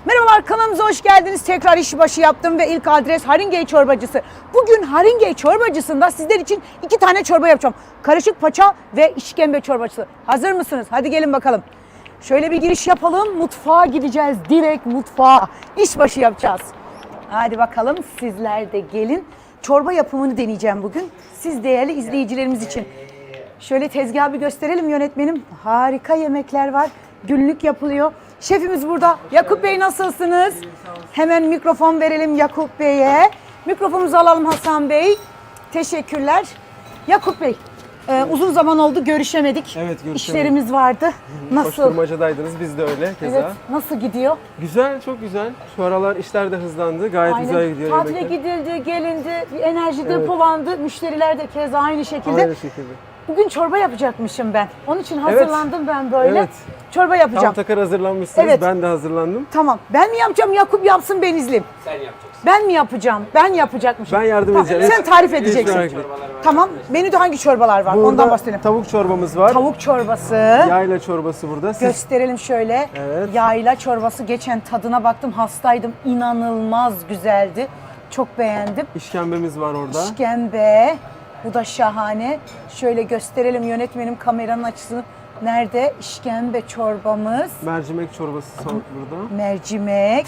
Merhabalar, kanalımıza hoş geldiniz. Tekrar işbaşı yaptım ve ilk adres Haringey Çorbacısı. Bugün Haringey Çorbacısı'nda sizler için 2 tane çorba yapacağım. Karışık paça ve işkembe çorbacısı. Hazır mısınız? Hadi gelin bakalım. Şöyle bir giriş yapalım. Mutfağa gideceğiz. Direkt mutfağa. İşbaşı yapacağız. Hadi bakalım, sizler de gelin. Çorba yapımını deneyeceğim bugün. Siz değerli izleyicilerimiz için. Şöyle tezgahı bir gösterelim yönetmenim. Harika yemekler var. Günlük yapılıyor. Şefimiz burada. Yakup Bey, nasılsınız? Hemen mikrofon verelim Yakup Bey'e. Mikrofonumuzu alalım Hasan Bey. Teşekkürler. Yakup Bey, uzun zaman oldu, görüşemedik. Evet, görüşemedik. İşlerimiz vardı. Nasıl? Koşturmacadaydınız, biz de öyle keza. Evet, nasıl gidiyor? Güzel, çok güzel. Şu aralar işler de hızlandı. Gayet güzel gidiyor Tatile yemekler. gidildi, gelindi, bir enerji depolandı. Müşteriler de keza aynı şekilde. Aynı şekilde. Bugün çorba yapacakmışım ben. Onun için hazırlandım ben böyle. Evet. Çorba yapacağım. Tam takır hazırlanmışsınız. Evet. Ben de hazırlandım. Tamam. Ben mi yapacağım, Yakup yapsın, ben izleyeyim. Sen yapacaksın. Ben mi yapacağım? Ben yapacakmışım. Ben yardım edeceğim. Sen tarif Hiç edeceksin. merak etme. Tamam. Menüde hangi çorbalar var? Burada Ondan bahsedelim. tavuk çorbamız var. Tavuk çorbası. Yayla çorbası burada. Gösterelim şöyle. Evet. Yayla çorbası. Geçen tadına baktım, hastaydım. İnanılmaz güzeldi. Çok beğendim. İşkembemiz var orada. İşkembe. Bu da şahane. Şöyle gösterelim yönetmenim, kameranın açısını. Nerede? İşkembe çorbamız. Mercimek çorbası burada. Mercimek.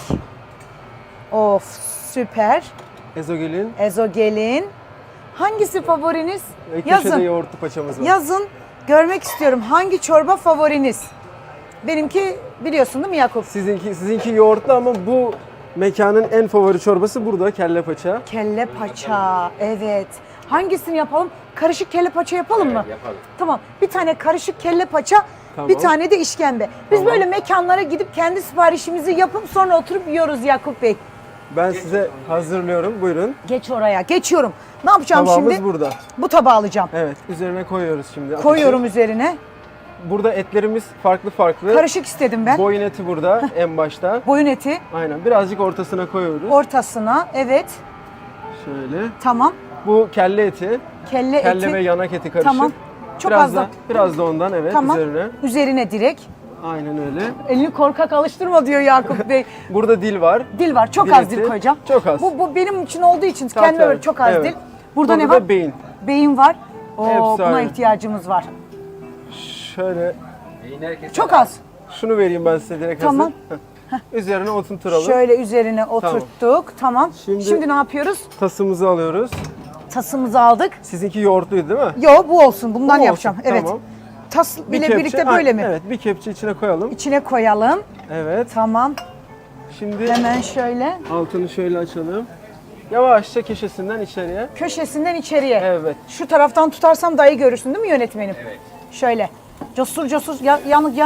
Of, süper. Ezogelin. Ezogelin. Hangisi favoriniz? Ve köşede Yazın. yoğurtlu paçamız var. Yazın. Görmek istiyorum. Hangi çorba favoriniz? Benimki biliyorsun değil mi Yakup? Sizinki yoğurtlu ama bu mekanın en favori çorbası burada, kelle paça. Kelle paça. Evet. Hangisini yapalım? Karışık kelle paça yapalım mı? Yapalım. Tamam. Bir tane karışık kelle paça, Tamam. bir tane de işkembe. Biz Tamam. böyle mekanlara gidip kendi siparişimizi yapıp sonra oturup yiyoruz Yakup Bey. Ben size hazırlıyorum. Buyurun. Geç oraya. Geçiyorum. Ne yapacağım Tabağımız şimdi? burada. Bu tabağı alacağım. Evet, üzerine koyuyoruz şimdi. ateşi. Koyuyorum üzerine. Burada etlerimiz farklı farklı. Karışık istedim ben. Boyun eti burada en başta. Boyun eti Aynen. Birazcık ortasına koyuyoruz. ortasına. Evet. Şöyle. Tamam. Bu kelle eti. Kelle Kelle eti. ve yanak eti karışık. Tamam. Çok biraz az da. Biraz da ondan evet Tamam. üzerine. Üzerine direkt. Aynen öyle. Elini korkak alıştırma diyor Yakup Bey. Burada dil var. Dil var. Çok Dil az eti. dil koyacağım. Çok az. Bu benim için olduğu için Tamam, kendime evet. böyle çok az Evet. dil. Burada ne Burada var? da beyin. Beyin var. Oo, Hepsi buna aynı. ihtiyacımız var. Şöyle Beyin herkese Çok az. şunu vereyim ben size direkt Tamam. hazır. Üzerine oturtalım. Şöyle üzerine oturttuk. Tamam. Şimdi ne yapıyoruz? Tasımızı alıyoruz. Tasımızı aldık. Sizinki yoğurtluydu değil mi? Yo, bu olsun. Bundan Bu olsun, yapacağım. Evet. tamam. Tas Bir bile kepçe- birlikte böyle mi? Evet, bir kepçe içine koyalım. İçine koyalım. Evet. Tamam. Şimdi Hemen şöyle. altını şöyle açalım. Yavaşça köşesinden içeriye. Köşesinden içeriye. Evet. Şu taraftan tutarsam dayı görürsün değil mi yönetmenim? Evet. Şöyle. Cosur cosur yanık